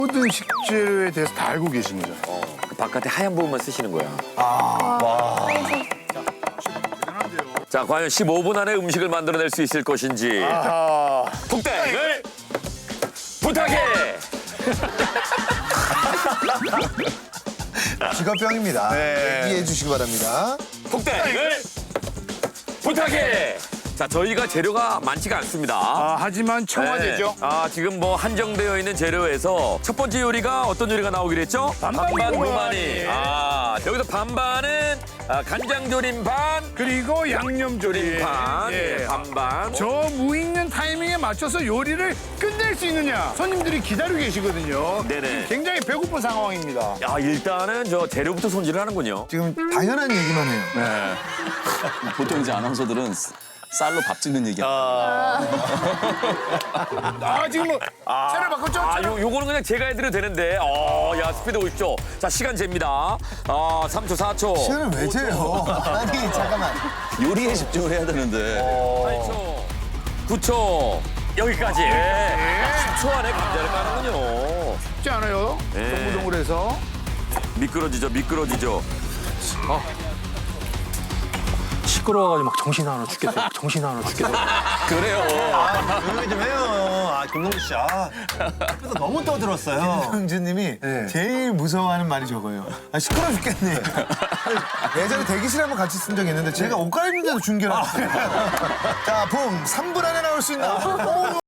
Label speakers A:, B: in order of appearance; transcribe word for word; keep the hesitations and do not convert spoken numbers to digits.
A: 모든 식재료에 대해서 다 알고 계신 거잖아요.
B: 어, 그 바깥에 하얀 부분만 쓰시는 거야. 자, 과연 십오 분 안에 음식을 만들어낼 수 있을 것인지.
A: 아하.
B: 폭땡을 부탁해!
C: 직업병입니다.
A: 네.
C: 이해해 주시기 바랍니다.
B: 폭땡을 부탁해! 자, 저희가 재료가 많지가 않습니다.
A: 아, 하지만 청와대죠.
B: 네. 아, 지금 뭐 한정되어 있는 재료에서 첫 번째 요리가 어떤 요리가 나오기로 했죠?
A: 반반
B: 무마니.
A: 무마니.
B: 아, 여기서 반반은 아, 간장조림 반,
A: 그리고 양념조림.
B: 반,
A: 예.
B: 네, 반반.
A: 저 무익는 타이밍에 맞춰서 요리를 끝낼 수 있느냐. 손님들이 기다리고 계시거든요.
B: 네네.
A: 굉장히 배고픈 상황입니다.
B: 야, 일단은 저 재료부터 손질을 하는군요.
C: 지금 당연한 얘기만 해요.
A: 네.
D: 보통 이제 아나운서들은 쌀로 밥 짓는 얘기야.
A: 아, 지금 뭐 차를 바꿨죠?
B: 아,
A: 차를?
B: 요, 요거는 그냥 제가 해드려도 되는데. 어, 야, 스피드 오십시오. 자, 시간 잽니다. 아, 삼 초, 사 초.
C: 시간을 왜 재요? 아니, 잠깐만.
D: 요리에 집중을 해야 되는데.
B: 팔 초, 구 초. 여기까지. 십 초 안에 감자를 까는군요.
A: 쉽지 않아요.
B: 네.
A: 동글동글해서.
B: 미끄러지죠, 미끄러지죠.
E: 시끄러워가지고 막 정신 하나 죽겠어. 정신 하나 죽겠어.
D: 그래요.
F: 조용히 좀 해요. 아, 김동주 씨. 아, 그래서 너무 떠들었어요.
C: 형주님이 제일 무서워하는 말이 저거예요. 아, 시끄러워 죽겠네. 예전에 대기실 한번 같이 쓴 적이 있는데 제가 옷 갈아입는데도 중계를 하고 자, 붐! 삼 분 안에 나올 수 있나? 오!